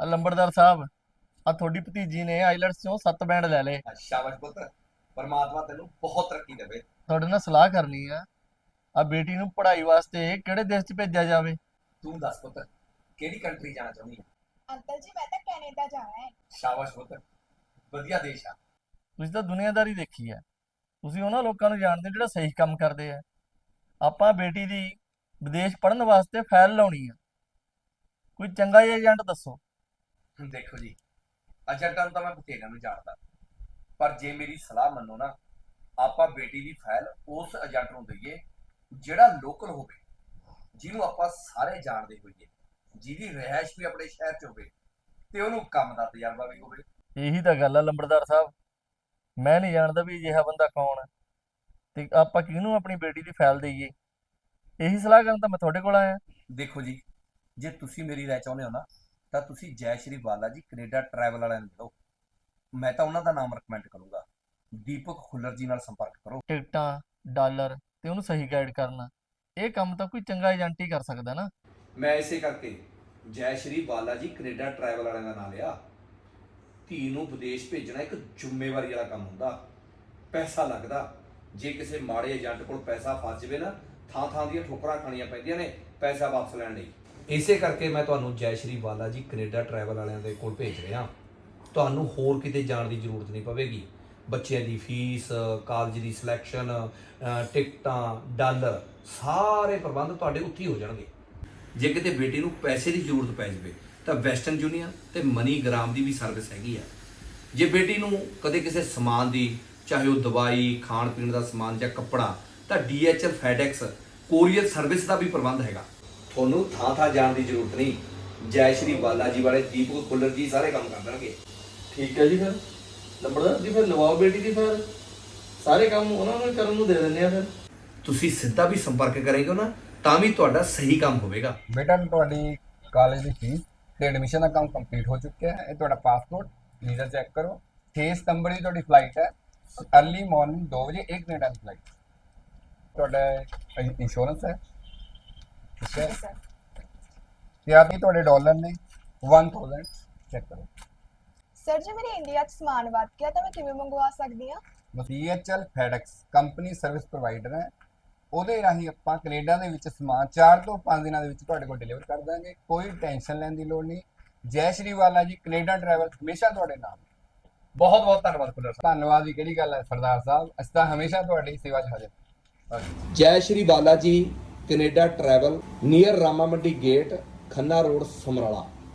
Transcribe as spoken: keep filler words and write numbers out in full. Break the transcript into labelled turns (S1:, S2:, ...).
S1: ਆ ਲੰਬੜਦਾਰ ਸਾਹਿਬ, ਆ ਤੁਹਾਡੀ ਭਤੀਜੀ ਨੇ ਆਈਲੈਟਸ ਚੋਂ ਸੱਤ ਬੈਂਡ ਲੈ ਲਏ।
S2: ਸ਼ਾਬਾਸ਼ ਪੁੱਤ, ਪਰਮਾਤਮਾ ਤੈਨੂੰ ਬਹੁਤ ਤਰੱਕੀ ਦੇਵੇ।
S1: ਤੁਹਾਡੇ ਨਾਲ ਸਲਾਹ ਕਰਨੀ ਆ, ਆ ਬੇਟੀ ਨੂੰ ਪੜ੍ਹਾਈ ਵਾਸਤੇ ਕਿਹੜੇ ਦੇਸ਼ 'ਚ ਭੇਜਿਆ ਜਾਵੇ?
S2: ਤੂੰ ਦੱਸ ਪੁੱਤ, ਕਿਹੜੀ ਕੰਟਰੀ ਜਾਣਾ ਚਾਹੁੰਦੀ ਹੈ?
S3: ਅੰਕਲ ਜੀ ਮੈਂ ਤਾਂ ਕੈਨੇਡਾ ਜਾਣਾ ਹੈ।
S2: ਸ਼ਾਬਾਸ਼ ਪੁੱਤ, ਵਧੀਆ ਦੇਸ਼ ਆ।
S1: ਤੁਸੀਂ ਤਾਂ ਦੁਨੀਆਦਾਰੀ ਦੇਖੀ ਆ, ਤੁਸੀਂ ਉਹਨਾਂ ਲੋਕਾਂ ਨੂੰ ਜਾਣਦੇ ਹੋ ਜਿਹੜਾ ਸਹੀ ਕੰਮ ਕਰਦੇ ਆ। ਆਪਾਂ ਬੇਟੀ ਦੀ ਵਿਦੇਸ਼ ਪੜ੍ਹਨ ਵਾਸਤੇ ਫਾਈਲ ਲਾਉਣੀ ਆ, ਕੋਈ ਚੰਗਾ ਜਿਹਾ ਏਜੰਟ ਦੱਸੋ।
S2: ਦੇਖੋ ਜੀ, ਏਜੰਟਾਂ ਨੂੰ ਤਾਂ ਮੈਂ ਬਥੇਰਿਆਂ ਨੂੰ ਜਾਣਦਾ, ਪਰ ਜੇ ਮੇਰੀ ਸਲਾਹ ਮੰਨੋ ਨਾ, ਆਪਾਂ ਬੇਟੀ ਦੀ ਫਾਈਲ ਉਸ ਏਜੰਟ ਨੂੰ ਦਈਏ ਜਿਹੜਾ ਲੋਕਲ ਹੋਵੇ, ਜਿਹਨੂੰ ਆਪਾਂ ਸਾਰੇ ਜਾਣਦੇ ਹੋਈਏ, ਜਿਹਦੀ ਰਿਹਾਇਸ਼ ਵੀ ਆਪਣੇ ਸ਼ਹਿਰ 'ਚ ਹੋਵੇ ਤੇ ਉਹਨੂੰ ਕੰਮ ਦਾ ਤਜਰਬਾ ਵੀ ਹੋਵੇ।
S1: ਇਹੀ ਤਾਂ ਗੱਲ ਆ ਲੰਬੜਦਾਰ ਸਾਹਿਬ, ਮੈਂ ਨਹੀਂ ਜਾਣਦਾ ਵੀ ਅਜਿਹਾ ਬੰਦਾ ਕੌਣ ਹੈ ਤੇ ਆਪਾਂ ਕਿਹਨੂੰ ਆਪਣੀ ਬੇਟੀ ਦੀ ਫਾਈਲ ਦੇਈਏ। ਇਹੀ ਸਲਾਹ ਕਰਨ ਤਾਂ ਮੈਂ ਤੁਹਾਡੇ ਕੋਲ ਆਇਆ।
S2: ਦੇਖੋ ਜੀ, ਜੇ ਤੁਸੀਂ ਮੇਰੀ ਰਾਏ ਚਾਹੁੰਦੇ ਹੋ ਨਾ, ਤਾਂ ਤੁਸੀਂ ਜੈ ਸ਼੍ਰੀ ਬਾਲਾ ਜੀ ਕੈਨੇਡਾ ਟਰੈਵਲ ਵਾਲਿਆਂ ਨੂੰ ਮਿਲੋ। ਮੈਂ ਤਾਂ ਉਹਨਾਂ ਦਾ ਨਾਮ ਰეკਮੈਂਡ ਕਰੂੰਗਾ, ਦੀਪਕ ਖੁੱਲਰ ਜੀ ਨਾਲ ਸੰਪਰਕ ਕਰੋ।
S1: ਟਿਕਟਾਂ, ਡਾਲਰ ਤੇ ਉਹਨੂੰ ਸਹੀ ਗਾਈਡ ਕਰਨਾ, ਇਹ ਕੰਮ ਤਾਂ ਕੋਈ ਚੰਗਾ ਏਜੰਟ ਹੀ ਕਰ ਸਕਦਾ ਨਾ।
S2: ਮੈਂ ਇਸੇ ਕਰਕੇ ਜੈ ਸ਼੍ਰੀ ਬਾਲਾ ਜੀ ਕੈਨੇਡਾ ਟਰੈਵਲ ਵਾਲਿਆਂ ਦਾ ਨਾਮ ਲਿਆ। ਧੀ ਨੂੰ ਵਿਦੇਸ਼ ਭੇਜਣਾ ਇੱਕ ਜ਼ਿੰਮੇਵਾਰੀ ਵਾਲਾ ਕੰਮ ਹੁੰਦਾ, ਪੈਸਾ ਲੱਗਦਾ। ਜੇ ਕਿਸੇ ਮਾੜੇ ਏਜੰਟ ਕੋਲ ਪੈਸਾ ਫਸ ਜਾਵੇ ਨਾ, ਥਾਂ ਥਾਂ ਦੀਆਂ ਠੋਕਰਾਂ ਖਾਣੀਆਂ ਪੈਂਦੀਆਂ ਨੇ ਪੈਸਾ ਵਾਪਸ ਲੈਣ ਲਈ। ਇਸੇ ਕਰਕੇ ਮੈਂ ਤੁਹਾਨੂੰ ਜੈ ਸ਼੍ਰੀ ਬਾਲਾ ਜੀ ਕੈਨੇਡਾ ਟਰੈਵਲ ਵਾਲਿਆਂ ਦੇ ਕੋਲ ਭੇਜ ਰਿਹਾ। ਤੁਹਾਨੂੰ ਹੋਰ ਕਿਤੇ ਜਾਣ ਦੀ ਜ਼ਰੂਰਤ ਨਹੀਂ ਪਵੇਗੀ। ਬੱਚਿਆਂ ਦੀ ਫੀਸ, ਕਾਲਜ ਦੀ ਸਿਲੈਕਸ਼ਨ, ਟਿਕਟਾਂ, ਡਾਲਰ, ਸਾਰੇ ਪ੍ਰਬੰਧ ਤੁਹਾਡੇ ਉੱਥੇ ਹੀ ਹੋ ਜਾਣਗੇ। ਜੇ ਕਿਤੇ ਬੇਟੀ ਨੂੰ ਪੈਸੇ ਦੀ ਜ਼ਰੂਰਤ ਪੈ ਜਾਵੇ ਤਾਂ ਵੈਸਟਰਨ ਯੂਨੀਅਨ ਤੇ ਮਨੀਗ੍ਰਾਮ ਦੀ ਵੀ ਸਰਵਿਸ ਹੈਗੀ ਆ। ਜੇ ਬੇਟੀ ਨੂੰ ਕਦੇ ਕਿਸੇ ਸਮਾਨ ਦੀ, ਚਾਹੇ ਉਹ ਦਵਾਈ, ਖਾਣ ਪੀਣ ਦਾ ਸਮਾਨ ਜਾਂ ਕੱਪੜਾ, ਤਾਂ D H L, FedEx, courier service ਦਾ ਵੀ ਪ੍ਰਬੰਧ ਹੈਗਾ। ਤੁਹਾਨੂੰ ਥਾਂ ਥਾਂ ਜਾਣ ਦੀ ਜ਼ਰੂਰਤ ਨਹੀਂ। ਜੈ ਸ਼੍ਰੀ ਬਾਲਾ ਜੀ ਵਾਲੇ ਦੀਪਕ ਖੁੱਲਰ ਜੀ ਸਾਰੇ ਕੰਮ ਕਰ ਦੇਣਗੇ।
S1: ਠੀਕ ਹੈ ਜੀ, ਫਿਰ ਲੰਬੜਦਾਰ ਜੀ ਫਿਰ ਲਵਾਓ ਬੇਟੀ ਦੀ ਫਾਈਲ, ਸਾਰੇ ਕੰਮ ਉਹਨਾਂ ਨੂੰ ਕਰਨ ਨੂੰ ਦੇ ਦਿੰਦੇ ਆ। ਫਿਰ
S2: ਤੁਸੀਂ ਸਿੱਧਾ ਵੀ ਸੰਪਰਕ ਕਰੇਗੇ ਨਾ, ਤਾਂ ਵੀ ਤੁਹਾਡਾ ਸਹੀ ਕੰਮ ਹੋਵੇਗਾ।
S4: ਬੇਟਾ ਤੁਹਾਡੀ ਕਾਲਜ ਦੀ ਫੀਸ ਤੇ ਐਡਮਿਸ਼ਨ ਦਾ ਕੰਮ ਕੰਪਲੀਟ ਹੋ ਚੁੱਕਿਆ ਹੈ। ਇਹ ਤੁਹਾਡਾ ਪਾਸਪੋਰਟ, ਵੀਜ਼ਾ ਚੈੱਕ ਕਰੋ। ਛੇ ਸਤੰਬਰ ਦੀ ਤੁਹਾਡੀ ਫਲਾਈਟ ਹੈ, अर्ਲੀ ਮਾਰਨਿੰਗ ਦੋ ਵਜੇ, ਇੱਕ ਕੈਨੇਡਾ ਦੀ ਫਲਾਈਟ। ਤੁਹਾਡਾ ਇੰਸ਼ੋਰੈਂਸ ਹੈ, ਠੀਕ ਹੈ। ਤੇ ਆਹ ਵੀ ਤੁਹਾਡੇ ਡਾਲਰ ਨੇ ਇੱਕ ਹਜ਼ਾਰ, ਚੈੱਕ ਕਰੋ।
S3: ਸਰ ਜੀ ਮੇਰੇ ਇੰਡੀਆ 'ਚ ਸਮਾਨ ਵੱਧ ਗਿਆ ਤਾਂ ਮੈਂ ਕਿਵੇਂ ਮੰਗਵਾ ਸਕਦੀ ਹਾਂ?
S4: D H L FedEx company service provider ਹੈ, ਉਹਦੇ ਰਾਹੀਂ ਆਪਾਂ ਕੈਨੇਡਾ ਦੇ ਵਿੱਚ ਸਮਾਨ ਚਾਰ ਤੋਂ ਪੰਜ ਦਿਨਾਂ ਦੇ ਵਿੱਚ ਤੁਹਾਡੇ ਕੋਲ ਡਿਲੀਵਰ ਕਰ ਦਾਂਗੇ। ਕੋਈ ਟੈਨਸ਼ਨ ਲੈਣ ਦੀ ਲੋੜ ਨਹੀਂ। ਜੈ ਸ਼੍ਰੀ ਬਾਲਾ ਜੀ ਕੈਨੇਡਾ ਟਰੈਵਲ ਹਮੇਸ਼ਾ ਤੁਹਾਡੇ ਨਾਲ।
S2: ਬਹੁਤ ਬਹੁਤ ਧੰਨਵਾਦ ਖੁੱਲਰ ਸਾਹਿਬ।
S4: ਧੰਨਵਾਦ ਦੀ ਕਿਹੜੀ ਗੱਲ ਹੈ ਸਰਦਾਰ ਸਾਹਿਬ, ਅਸੀਂ ਤਾਂ ਹਮੇਸ਼ਾ ਤੁਹਾਡੀ ਸੇਵਾ 'ਚ ਹਾਜ਼ਰ।
S2: ਜੈ ਸ਼੍ਰੀ ਬਾਲਾ ਜੀ ਕੈਨੇਡਾ ਟਰੈਵਲ, ਨੀਅਰ ਰਾਮਾ ਮੰਡੀ ਗੇਟ, ਖੰਨਾ ਰੋਡ, ਸਮਰਾਲਾ।